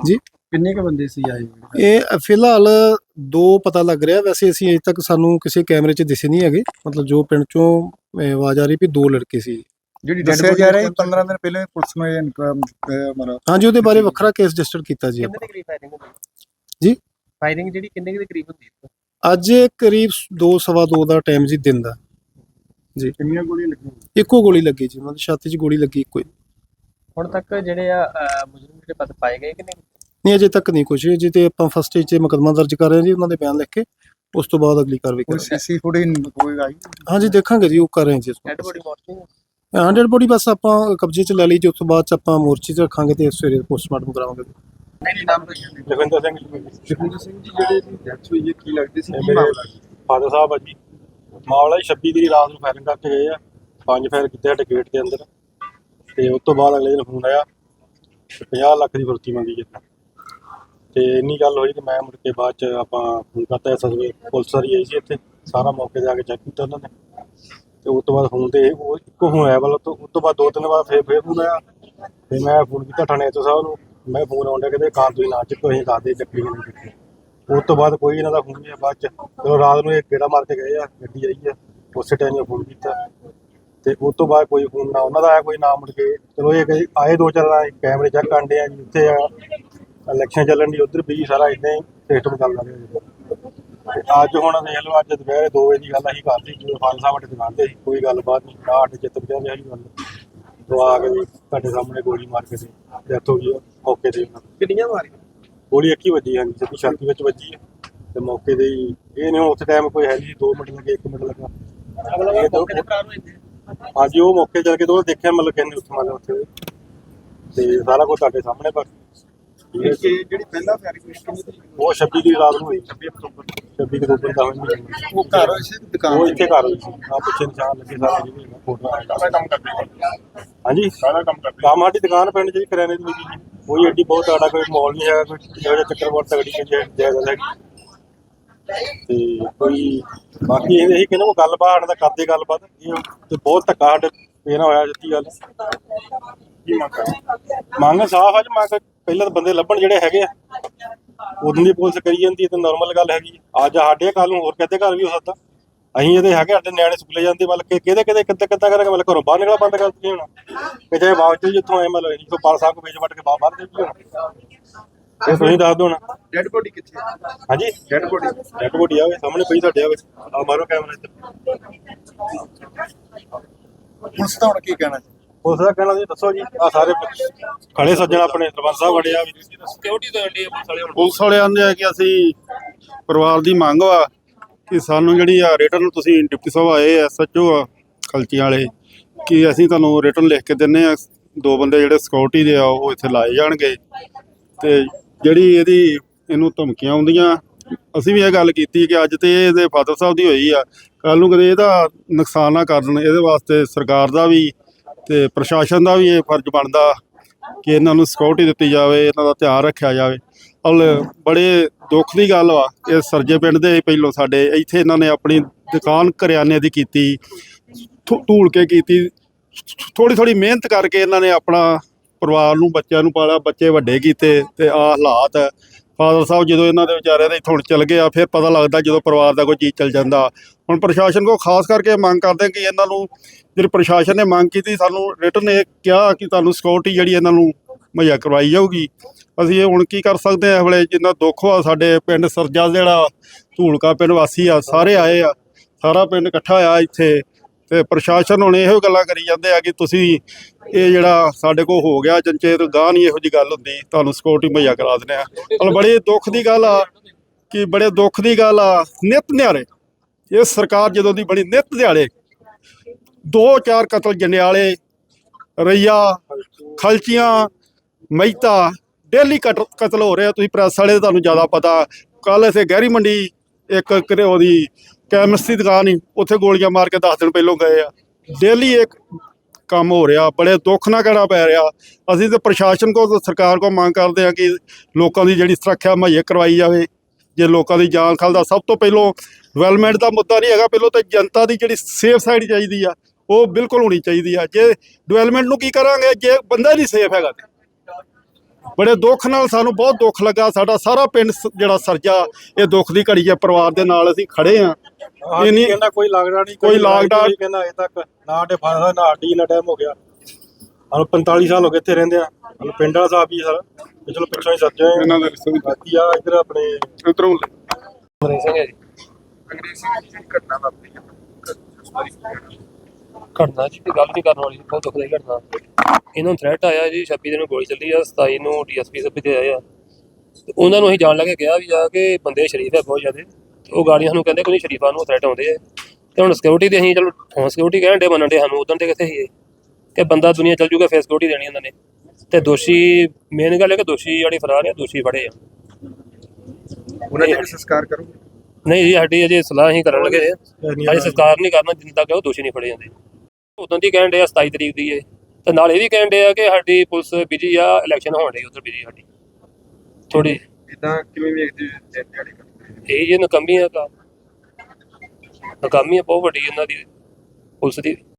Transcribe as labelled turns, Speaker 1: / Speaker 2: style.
Speaker 1: ਜੀ
Speaker 2: ਕਿੰਨੇ ਕ ਬੰਦੇ ਸੀ ਆਏ?
Speaker 1: ਇਹ ਫਿਲਹਾਲ 2 ਪਤਾ ਲੱਗ ਰਿਹਾ। ਵੈਸੇ ਅਸੀਂ ਅਜੇ ਤੱਕ ਸਾਨੂੰ ਕਿਸੇ ਕੈਮਰੇ 'ਚ ਦਿਸੇ ਨਹੀਂ ਹੈਗੇ। ਮਤਲਬ ਜੋ ਪਿੰਡ 'ਚੋਂ ਆਵਾਜ਼ ਆ ਰਹੀ ਵੀ 2 ਲੜਕੇ ਸੀ।
Speaker 2: ਜਿਹੜੀ ਦੱਸਿਆ ਜਾ ਰਿਹਾ 15 ਦਿਨ ਪਹਿਲੇ ਪੁਲਿਸ ਨੂੰ ਇਹ ਮਤਲਬ
Speaker 1: ਹਾਂਜੀ, ਉਹਦੇ ਬਾਰੇ ਵੱਖਰਾ ਕੇਸ ਰਜਿਸਟਰ ਕੀਤਾ ਜੀ
Speaker 3: ਕਿੰਨੇ
Speaker 1: ਆਪਾਂ।
Speaker 3: ਦੇ ਕਰੀਬ ਫਾਇਰਿੰਗ ਹੁੰਦੀ?
Speaker 1: ਜੀ
Speaker 3: ਫਾਇਰਿੰਗ ਜਿਹੜੀ ਕਿੰਨੇ ਦੇ ਕਰੀਬ ਹੁੰਦੀ ਹੈ?
Speaker 1: ਅੱਜ ਕਰੀਬ 2 ਸਵਾ 2 ਦਾ ਟਾਈਮ ਜੀ, ਦਿਨ ਦਾ ਜੀ।
Speaker 2: ਕਿੰਨੀਆਂ ਗੋਲੀਆਂ ਲੱਗੀਆਂ?
Speaker 1: ਇੱਕੋ ਗੋਲੀ ਲੱਗੀ ਜੀ, ਮਤਲਬ ਛਾਤੀ 'ਚ ਗੋਲੀ ਲੱਗੀ ਇੱਕੋ ਹੀ।
Speaker 3: ਹੁਣ ਤੱਕ ਜਿਹੜੇ ਆ ਮੁਜਰਮ ਜਿਹੜੇ ਪਤ ਪਾਏ ਗਏ ਕਿ ਨਹੀਂ?
Speaker 1: ਨਹੀਂ, ਅਜੇ ਤੱਕ ਨਹੀਂ ਕੁਛ। ਅਜੇ ਤੇ ਆਪਾਂ ਫਸਟ ਸਟੇਜ 'ਚ ਮੁਕੱਦਮਾ ਦਰਜ ਕਰ ਰਹੇ ਹਾਂ ਜੀ, ਉਹਨਾਂ ਦੇ ਬਿਆਨ ਲਿਖ ਕੇ ਉਸ ਤੋਂ ਬਾਅਦ ਅਗਲੀ ਕਾਰਵਾਈ
Speaker 2: ਕੋਈ
Speaker 1: ਕਰਾਂਗੇ।
Speaker 2: ਸੀਸੀ ਫੁਟੇਜ ਕੋਈ ਆਈ?
Speaker 1: ਹਾਂਜੀ, ਦੇਖਾਂਗੇ ਜੀ, ਉਹ ਕਰ ਰਹੇ ਹਾਂ ਜੀ।
Speaker 3: ਡੈਡ ਬੋਡੀ ਮੋਰਚਿੰਗ
Speaker 1: 100 ਬੋਡੀ ਬਸ ਆਪਾਂ ਕਬਜ਼ੇ 'ਚ ਲੈ ਲਈ ਜੀ। ਉਸ ਤੋਂ ਬਾਅਦ 'ਚ ਆਪਾਂ ਮੋਰਚੇ 'ਚ ਰੱਖਾਂਗੇ ਤੇ ਸਵੇਰੇ ਪੋਸਟਮਾਰਟਮ ਕਰਾਵਾਂਗੇ।
Speaker 3: ਕੀ ਨਾਮ ਹੈ?
Speaker 4: ਲਖਵਿੰਦਰ ਸਿੰਘ
Speaker 2: ਜਗਵਿੰਦਰ ਸਿੰਘ ਜੀ, ਜਿਹੜੇ ਦੀ ਡੈਥ ਹੋਈ ਹੈ ਕੀ ਲੱਗਦੇ ਸੀ? ਕੀ
Speaker 4: ਮੇਰੇ
Speaker 2: ਮਾਮਲਾ ਸੀ?
Speaker 4: ਫਾਦਰ ਸਾਹਿਬ ਆ ਜੀ। ਮਾਮਲਾ 26 ਦੀ ਰਾਤ ਨੂੰ ਫਾਇਰਿੰਗ ਕਰਕੇ ਗਏ ਆ। 5 ਫਾਇਰ ਕੀਤੇ ਸਾਡੇ ਗੇਟ ਦੇ ਅੰਦਰ ਤੇ ਉਸ ਤੋਂ ਬਾਅਦ ਅਗਲੇ ਦਿਨ ਫੋਨ ਆਇਆ 50 ਲੱਖ ਦੀ ਫੁਰਤੀ ਮੰਗੀ ਜਿੱਦਾਂ ਤੇ ਇੰਨੀ ਗੱਲ ਹੋਈ ਤੇ ਮੈਂ ਮੁੜ ਕੇ ਬਾਅਦ ਚ ਆਪਾਂ ਫੋਨ ਕਰਤਾ ਐਸਐਸਬੀ ਪੁਲਿਸ ਵਾਲੀ ਆਈ ਸੀ ਇੱਥੇ। ਸਾਰਾ ਮੌਕੇ ਤੇ ਆ ਕੇ ਚੈੱਕ ਕੀਤਾ ਉਹਨਾਂ ਨੇ ਤੇ ਉਸ ਤੋਂ ਬਾਅਦ ਫੋਨ ਤੇ ਉਹ ਇੱਕੋ ਫੋਨ ਆਇਆ ਵੱਲੋਂ। ਉਸ ਤੋਂ ਬਾਅਦ 2-3 ਵਾਰ ਫੇਰ ਫੋਨ ਆਇਆ ਤੇ ਮੈਂ ਫੋਨ ਕੀਤਾ ਥਾਣੇ ਤੋਂ ਸਾਹਿਬ ਨੂੰ। ਮੈਂ ਫੋਨ ਆਉਂਦਾ ਕਹਿੰਦੇ ਕਾਰ ਤੁਸੀਂ ਨਾ ਚੱਕੋ, ਅਸੀਂ ਦੱਸਦੇ ਚੱਕੀ ਨਹੀਂ ਚੱਕੀ। ਉਸ ਤੋਂ ਬਾਅਦ ਕੋਈ ਇਹਨਾਂ ਦਾ ਫੋਨ ਨਹੀਂ। ਬਾਅਦ ਚ ਚਲੋ ਰਾਤ ਨੂੰ ਇਹ ਗੇੜਾ ਮਾਰ ਕੇ ਗਏ ਆ, ਗੱਡੀ ਆਈ ਆ, ਉਸੇ ਟਾਈਮ ਫੋਨ ਕੀਤਾ ਤੇ ਉਸ ਤੋਂ ਬਾਅਦ ਕੋਈ ਫੋਨ ਨਾ ਉਹਨਾਂ ਦਾ ਆਇਆ, ਕੋਈ ਨਾ ਮੁੜ ਕੇ। ਚਲੋ ਇਹ ਆਏ 2-4 ਕੈਮਰੇ ਚੈੱਕ ਕਰਦੇ ਆ ਜੀ। ਉੱਥੇ ਆ ਇਲੈਕਸ਼ਨ ਚੱਲਣ ਦੀ, ਉੱਧਰ ਵੀ ਸਾਰਾ ਇਦਾਂ ਹੀ ਸਿਸਟਮ ਚੱਲਦਾ ਰਿਹਾ। ਤੇ ਅੱਜ ਹੁਣ ਦੇਖ ਲਓ, ਅੱਜ ਦੁਪਹਿਰੇ 2 ਵਜੇ ਦੀ ਗੱਲ ਅਸੀਂ ਕਰਤੀ ਜਦੋਂ ਫਾਦਰ ਸਾਹਿਬ ਸਾਡੇ ਦੁਕਾਨ ਤੇ ਸੀ। ਕੋਈ ਗੱਲਬਾਤ ਨਹੀਂ, ਨਾ ਸਾਡੇ ਚਿੱਤ ਬਚਿਆ ਸੀ ਗੱਲ। ਤੋਂ ਆ ਕੇ ਜੀ ਤੁਹਾਡੇ ਸਾਹਮਣੇ ਗੋਲੀ ਮਾਰ ਕੇ ਡੈਥ ਹੋ ਗਈ ਮੌਕੇ ਤੇ।
Speaker 3: ਕਿੰਨੀਆਂ ਮਾਰੀਆਂ?
Speaker 4: ਗੋਲੀ ਇੱਕ ਹੀ ਵੱਜੀ, ਹਾਂਜੀ, ਸਿੱਧੀ ਛਾਤੀ ਵਿੱਚ ਵੱਜੀ ਹੈ ਤੇ ਮੌਕੇ ਤੇ ਹੀ। ਇਹ ਨਹੀਂ ਉਸ ਟਾਈਮ ਕੋਈ ਹੈ ਨਹੀਂ, 2 ਮਿੰਟ ਲੱਗੇ, 1 ਮਿੰਟ ਲੱਗਾ।
Speaker 3: ਅਗਲਾ ਮੌਕੇ ਤੇ ਫਰਾਰ ਹੋਏ ਨੇ?
Speaker 4: ਹਾਂਜੀ, ਉਹ ਮੌਕੇ ਚੱਲ ਕੇ ਤੋਂ ਦੇਖਿਆ, ਮਤਲਬ ਕਹਿੰਦੇ ਉੱਥੇ ਮਤਲਬ ਉੱਥੇ ਤੇ ਸਾਰਾ ਕੁਝ ਤੁਹਾਡੇ ਸਾਹਮਣੇ। ਪਰ
Speaker 2: ਜਿਹੜੀ ਪਹਿਲਾ ਫਾਇਰਿੰਗ ਹੋਈ
Speaker 4: ਉਹ 26 ਦੀ ਰਾਤ ਨੂੰ ਹੋਈ, 26 ਅਕਤੂਬਰ ਦਾ ਹੋਈ।
Speaker 2: ਉਹ ਘਰ ਹੋਈ ਸੀ ਦੁਕਾਨ?
Speaker 4: ਉਹ ਇੱਥੇ ਘਰ ਹੋਈ ਸੀ। ਆ ਪਿੱਛੇ ਨਿਸ਼ਾਨ ਲੱਗੇ ਸਾਰੇ ਜਿਹੜੇ ਫੋਟੋ
Speaker 2: ਸਾਰਾ ਕੰਮ ਕਰਦੇ?
Speaker 4: ਹਾਂਜੀ,
Speaker 2: ਸਾਰਾ ਕੰਮ ਕਰਦੇ?
Speaker 4: ਕੰਮ ਸਾਡੀ ਦੁਕਾਨ ਪਿੰਡ 'ਚ ਕਰਿਆਨੇ ਦੀ ਲੱਗੀ ਜੀ। ਕੋਈ ਐਡੀ ਬਹੁਤ ਆੜਾ ਕੋਈ ਮਾਹੌਲ ਨਹੀਂ ਹੈਗਾ, ਕੋਈ ਇਹੋ ਜਿਹਾ ਚੱਕਰ ਬਹੁਤ ਤਗੜੀ ਜਾਇਦਾਦ ਹੈਗੀ ਤੇ ਕੋਈ ਬਾਕੀ ਇਹੀ ਕਹਿੰਦੇ ਉਹ ਗੱਲਬਾਤ ਦਾ ਕਰਦੇ ਗੱਲਬਾਤ ਇਹ ਤੇ ਬਹੁਤ ਧੱਕਾ ਸਾਡੇ ਇਹ ਨਾ ਹੋਇਆ ਜਿੱਤੀ ਗੱਲ।
Speaker 2: ਕੀ
Speaker 4: ਮੰਗ ਸਾਫ਼ ਆ ਜੀ। ਮੰਗ ਪਹਿਲਾਂ ਤਾਂ ਬੰਦੇ ਲੱਭਣ ਜਿਹੜੇ ਹੈਗੇ ਆ, ਉਦੋਂ ਦੀ ਪੁਲਿਸ ਕਰੀ ਜਾਂਦੀ ਹੈ ਤੇ ਨਾਰਮਲ ਗੱਲ ਹੈਗੀ। ਅੱਜ ਸਾਡੇ ਕੱਲ ਨੂੰ ਹੋਰ ਕਿਤੇ ਘਰ ਵੀ ਹੋ ਸਕਦਾ। ਅਸੀਂ ਇਹਦੇ ਹੈਗੇ, ਸਾਡੇ ਨਿਆਣੇ ਸਕੂਲੇ ਜਾਂਦੇ, ਮਤਲਬ ਕਿ ਕਿਹਦੇ ਕਿੱਦਾਂ ਕਰਾਂਗੇ, ਮਤਲਬ ਘਰੋਂ ਬਾਹਰ ਨਿਕਲਣਾ ਬੰਦ ਕਰ ਦਿੱਤੀ ਹੁਣ ਕਿਤੇ ਬਾਅਦ ਜਿੱਥੋਂ ਆਏ, ਮਤਲਬ ਅਸੀਂ ਪਾਲ ਸਾਹਿਬ ਵੇਚ ਵੱਟ ਕੇ ਬਾਹਰ ਦੇ ਹੁਣ ਇਹ ਤੁਸੀਂ ਦੱਸ ਦਿਓ ਨਾ।
Speaker 2: ਡੈਡ ਬੋਡੀ ਕਿੱਥੇ?
Speaker 4: ਹਾਂਜੀ,
Speaker 2: ਡੈਡ ਬੋਡੀ
Speaker 4: ਆਵੇ ਸਾਹਮਣੇ ਪਈ ਸਾਡੇ ਆਵੇ। ਆ ਮਾਰੋ ਕੈਮਰਾ ਇੱਧਰ।
Speaker 2: ਪੁਲਿਸ ਦਾ ਹੁਣ ਕੀ ਕਹਿਣਾ?
Speaker 4: ਉਸ ਦਾ ਕਹਿਣਾ ਜੀ ਦੱਸੋ ਜੀ। ਆ ਸਾਰੇ ਖੜੇ ਸੱਜਣ ਆਪਣੇ ਸਰਪੰਚ ਸਾਹਿਬ ਖੜੇ ਆ।
Speaker 3: ਸਿਕਿਉਰਿਟੀ ਤੋਂ ਇੰਡੀ ਪੁਲਿਸ ਵਾਲੇ ਹੁਣ
Speaker 5: ਪੁਲਿਸ ਵਾਲੇ ਆਂਦੇ ਆ ਕਿ ਅਸੀਂ ਪਰਿਵਾਰ ਦੀ ਮੰਗ ਵਾ ਕਿ ਸਾਨੂੰ ਜਿਹੜੀ ਆ ਰਿਟਰਨ, ਤੁਸੀਂ ਡਿਪਟੀ ਸਾਹਿਬ ਆਏ ਐਸਐਚਓ ਆ ਖਲਚੀਆਂ ਵਾਲੇ, ਕਿ ਅਸੀਂ ਤੁਹਾਨੂੰ ਰਿਟਰਨ ਲਿਖ ਕੇ ਦਿੰਨੇ ਆ। 2 ਬੰਦੇ ਜਿਹੜੇ ਸਿਕਿਉਰਿਟੀ ਦੇ ਆ ਉਹ ਇੱਥੇ ਲਾਏ ਜਾਣਗੇ ਤੇ ਜਿਹੜੀ ਇਹਨੂੰ ਧਮਕੀਆਂ ਆਉਂਦੀਆਂ, ਅਸੀਂ ਵੀ ਇਹ ਗੱਲ ਕੀਤੀ ਕਿ ਅੱਜ ਤੇ ਇਹਦੇ ਫਾਦਰ ਸਾਹਿਬ ਦੀ ਹੋਈ ਆ, ਕੱਲ ਨੂੰ ਕਦੇ ਇਹਦਾ ਨੁਕਸਾਨ ਨਾ ਕਰਨ। ਇਹਦੇ ਵਾਸਤੇ ਸਰਕਾਰ ਦਾ ਵੀ ਤੇ ਪ੍ਰਸ਼ਾਸਨ ਦਾ ਵੀ ਇਹ ਫਰਜ਼ ਬਣਦਾ ਕਿ ਇਹਨਾਂ ਨੂੰ ਸਿਕਿਉਰਿਟੀ ਦਿੱਤੀ ਜਾਵੇ, ਇਹਨਾਂ ਦਾ ਧਿਆਨ ਰੱਖਿਆ ਜਾਵੇ। ਬੜੇ ਦੁੱਖ ਦੀ ਗੱਲ ਵਾ, ਇਹ ਸਰਜੇ ਪਿੰਡ ਦੇ ਪਹਿਲੋਂ ਸਾਡੇ ਇੱਥੇ ਇਹਨਾਂ ਨੇ ਆਪਣੀ ਦੁਕਾਨ ਕਰਿਆਨੇ ਦੀ ਕੀਤੀ, ਧੂਲ ਕੇ ਕੀਤੀ, ਥੋੜ੍ਹੀ ਮਿਹਨਤ ਕਰਕੇ ਇਹਨਾਂ ਨੇ ਆਪਣਾ ਪਰਿਵਾਰ ਨੂੰ, ਬੱਚਿਆਂ ਨੂੰ ਪਾਲਿਆ, ਬੱਚੇ ਵੱਡੇ ਕੀਤੇ ਤੇ ਆਹ ਹਾਲਾਤ। ਫਾਦਰ ਸਾਹਿਬ ਜਦੋਂ ਇਹਨਾਂ ਦੇ ਵਿਚਾਰਿਆਂ ਦੇ ਇੱਥੋਂ ਚਲ ਗਏ ਆ, ਫਿਰ ਪਤਾ ਲੱਗਦਾ ਜਦੋਂ ਪਰਿਵਾਰ ਦਾ ਕੋਈ ਚੀਜ਼ ਚਲ ਜਾਂਦਾ। ਹੁਣ ਪ੍ਰਸ਼ਾਸਨ ਕੋਲ ਖਾਸ ਕਰਕੇ ਮੰਗ ਕਰਦੇ ਕਿ ਇਹਨਾਂ ਨੂੰ, ਜਿਹੜੀ ਪ੍ਰਸ਼ਾਸਨ ਨੇ ਮੰਗ ਕੀਤੀ, ਸਾਨੂੰ ਰਿਟਰਨ ਇਹ ਕਿਹਾ ਕਿ ਤੁਹਾਨੂੰ ਸਿਕਿਉਰਿਟੀ ਜਿਹੜੀ ਇਹਨਾਂ ਨੂੰ ਮੁਹੱਈਆ ਕਰਵਾਈ ਜਾਊਗੀ। ਅਸੀਂ ਇਹ ਹੁਣ ਕੀ ਕਰ ਸਕਦੇ ਹਾਂ? ਇਸ ਵੇਲੇ ਜਿੰਨਾ ਦੁੱਖ ਆ ਸਾਡੇ ਪਿੰਡ ਸਰਜਾ, ਜਿਹੜਾ ਧੂਲਕਾ ਪਿੰਡ ਵਾਸੀ ਆ, ਸਾਰੇ ਆਏ ਆ, ਸਾਰਾ ਪਿੰਡ ਇਕੱਠਾ ਹੋਇਆ ਇੱਥੇ ਤੇ ਪ੍ਰਸ਼ਾਸਨ ਹੁਣ ਇਹੋ ਗੱਲਾਂ ਕਰੀ ਜਾਂਦੇ ਆ ਕਿ ਤੁਸੀਂ ਇਹ ਜਿਹੜਾ ਸਾਡੇ ਕੋਲ ਹੋ ਗਿਆ ਜੰਚੇ ਤੋਂ ਗਾਹ ਨਹੀਂ ਇਹੋ ਜਿਹੀ ਗੱਲ ਹੁੰਦੀ, ਤੁਹਾਨੂੰ ਸਿਕਿਉਰਿਟੀ ਮੁਹੱਈਆ ਕਰਾ ਦਿੰਦੇ ਆ। ਮਤਲਬ ਬੜੇ ਦੁੱਖ ਦੀ ਗੱਲ ਆ ਨਿੱਤ ਨਿਆਰੇ ਇਹ ਸਰਕਾਰ ਜਦੋਂ ਦੀ ਬਣੀ, ਨਿੱਤ ਦਿਹਾੜੇ 2-4 ਕਤਲ ਜੰਡਿਆਲੇ, ਰਈਆ, ਖਲਚੀਆਂ, ਮਹਿਤਾ, ਡੇਲੀ ਕਤਲ ਹੋ ਰਿਹਾ। ਤੁਸੀਂ ਪ੍ਰੈਸ ਵਾਲੇ ਤੁਹਾਨੂੰ ਜ਼ਿਆਦਾ ਪਤਾ। ਕੱਲ ਇੱਥੇ ਗਹਿਰੀ ਮੰਡੀ ਇੱਕ ਉਹਦੀ ਕੈਮਿਸਟ ਦੀ ਦੁਕਾਨ ਸੀ, ਉੱਥੇ ਗੋਲੀਆਂ ਮਾਰ ਕੇ 10 ਦਿਨ ਪਹਿਲੋਂ ਗਏ ਆ। ਡੇਲੀ ਇੱਕ ਕੰਮ ਹੋ ਰਿਹਾ, ਬੜੇ ਦੁੱਖ ਨਾਲ ਕਹਿਣਾ ਪੈ ਰਿਹਾ। ਅਸੀਂ ਤਾਂ ਪ੍ਰਸ਼ਾਸਨ ਕੋਲ, ਸਰਕਾਰ ਕੋਲ ਮੰਗ ਕਰਦੇ ਹਾਂ ਕਿ ਲੋਕਾਂ ਦੀ ਜਿਹੜੀ ਸੁਰੱਖਿਆ ਮੁਹੱਈਆ ਕਰਵਾਈ ਜਾਵੇ। ਜੇ ਲੋਕਾਂ ਦੀ ਜਾਨ ਖਾਲ ਦਾ ਸਭ ਤੋਂ ਪਹਿਲੋਂ ਡਿਵੈਲਪਮੈਂਟ ਦਾ ਮੁੱਦਾ ਨਹੀਂ ਹੈਗਾ, ਪਹਿਲੋਂ ਤਾਂ ਜਨਤਾ ਦੀ ਜਿਹੜੀ ਸੇਫ ਸਾਈਡ ਚਾਹੀਦੀ ਆ, ਉਹ ਬਿਲਕੁਲ ਹੋਣੀ ਚਾਹੀਦੀ ਆ। ਜੇ ਡਿਵੈਲਪਮੈਂਟ ਨੂੰ ਕੀ ਕਰਾਂਗੇ ਜੇ ਬੰਦਾ ਨਹੀਂ ਸੇਫ ਹੈਗਾ ਤੇ ਬੜੇ ਦੁੱਖ ਨਾਲ, ਸਾਨੂੰ ਬਹੁਤ ਦੁੱਖ ਲੱਗਾ। ਸਾਡਾ ਸਾਰਾ ਪਿੰਡ ਜਿਹੜਾ ਸਰਜਾ ਇਹ ਦੁੱਖ ਦੀ ਘੜੀ ਹੈ, ਪਰਿਵਾਰ ਦੇ ਨਾਲ ਅਸੀਂ ਖੜੇ ਆ।
Speaker 4: ਇਹ ਨਹੀਂ ਕਹਿੰਦਾ ਕੋਈ ਲਾਗੜਾ ਨਹੀਂ,
Speaker 5: ਕੋਈ ਲਾਗਡਾ
Speaker 4: ਕਹਿੰਦਾ ਅਜੇ ਤੱਕ ਨਾ ਸਾਡੇ ਫਾਦਰ ਨਾ ਸਾਡੀ ਨਾ ਟਾਈਮ ਹੋ ਗਿਆ। ਸਾਨੂੰ 45 ਸਾਲ ਹੋ ਗਏ ਇੱਥੇ ਰਹਿੰਦੇ ਆ। ਸਾਨੂੰ ਪਿੰਡ ਵਾਲਾ ਸਾਹਿਬ ਹੀ ਸਰ ਚਲੋ ਪਿੱਛੋਂ ਹੀ ਸੱਜੇ
Speaker 5: ਇਹਨਾਂ ਦੇ ਰਿਸ਼ਤੇ
Speaker 4: ਬਾਕੀ ਆ ਇੱਧਰ ਆਪਣੇ
Speaker 5: ਉਧਰੋਂ
Speaker 3: ਅੰਗਰੇਜ਼ ਸਿੰਘ ਹੈ ਜੀ।
Speaker 2: ਘਟਨਾ ਵਾਪਰੀ ਹੈ
Speaker 3: ਘਟਨਾ ਜੀ ਕੋਈ ਗੱਲ ਨਹੀਂ ਕਰਨ ਵਾਲੀ, ਬਹੁਤ ਦੁਖਦਾਈ ਘਟਨਾ। ਇਹਨਾਂ ਨੂੰ ਥ੍ਰੈਟ ਆਇਆ ਜੀ 26 ਦਿਨ ਨੂੰ ਗੋਲੀ ਚੱਲੀ ਆ, 27 ਨੂੰ ਡੀਐਸਪੀ ਸਾਹਿਬ ਤੇ ਆਏ ਆ। ਤੇ ਉਹਨਾਂ ਨੂੰ ਅਸੀਂ ਜਾਣ ਲੱਗੇ ਕਿਹਾ ਵੀ ਜਾ ਕੇ ਬੰਦੇ ਸ਼ਰੀਫ ਹੈ ਬਹੁਤ ਜ਼ਿਆਦਾ, ਤੇ ਉਹ ਗਾੜੀਆਂ ਸਾਨੂੰ ਕਹਿੰਦੇ ਕੋਈ ਸ਼ਰੀਫਾਂ ਨੂੰ ਥ੍ਰੈਟ ਆਉਂਦੇ ਆ। ਤੇ ਹੁਣ ਸਿਕਿਉਰਿਟੀ ਦੇ ਅਸੀਂ ਚਲੋ ਹੁਣ ਸਿਕਿਉਰਿਟੀ ਕਹਿਣ ਡੇ ਮੰਨਣ ਡੇ ਸਾਨੂੰ, ਉਦੋਂ ਤੇ ਕਿੱਥੇ ਸੀ ਕਿ ਬੰਦਾ ਦੁਨੀਆ ਚੱਲ ਜੂਗਾ, ਫੇਸ ਸਿਕਿਉਰਿਟੀ ਦੇਣੀ ਉਹਨਾਂ ਨੇ। ਤੇ ਦੋਸ਼ੀ ਮੇਨ ਗੱਲ ਹੈ ਕਿ ਦੋਸ਼ੀ ਜਿਹੜੀ ਫਰਾਰ ਹੈ, ਦੋਸ਼ੀ ਫੜੇ ਆ।
Speaker 2: ਉਹਨਾਂ ਦੇ ਸੰਸਕਾਰ ਕਰੋ।
Speaker 3: ਨਹੀਂ ਜੀ ਸਾਡੀ ਅਜੇ ਸਲਾਹ ਹੀ ਕਰਨ ਲੱਗੇ ਅਜੇ ਸੰਸਕਾਰ ਨਹੀਂ ਕਰਨਾ ਜਿੰਨ ਤੱਕ ਉਹ ਦੋਸ਼ੀ ਨਹੀਂ ਫੜੇ ਜਾਂਦੇ। ਉਦੋਂ ਦੀ ਕਹਿਣ ਡੇ ਆ 27 ਤਰੀਕ ਦੀ ਹੈ, ਤੇ ਨਾਲ ਇਹ ਵੀ ਕਹਿਣ ਡੇ ਆ ਕਿ ਸਾਡੀ ਪੁਲਿਸ ਬਿਜੀ ਆ, ਇਲੈਕਸ਼ਨ ਹੋਣ ਡਈ ਉੱਧਰ ਬਿਜੀ ਸਾਡੀ ਥੋੜੀ।
Speaker 2: ਇਦਾਂ ਕਿਵੇਂ ਵੇਖਦੇ ਦਿਹਾੜੀ
Speaker 3: ਇਹ ਜੀ ਨਕਾਮੀ ਆ, ਨਕਾਮੀ ਆ ਬਹੁਤ ਵੱਡੀ ਇਹਨਾਂ ਦੀ ਪੁਲਿਸ ਦੀ।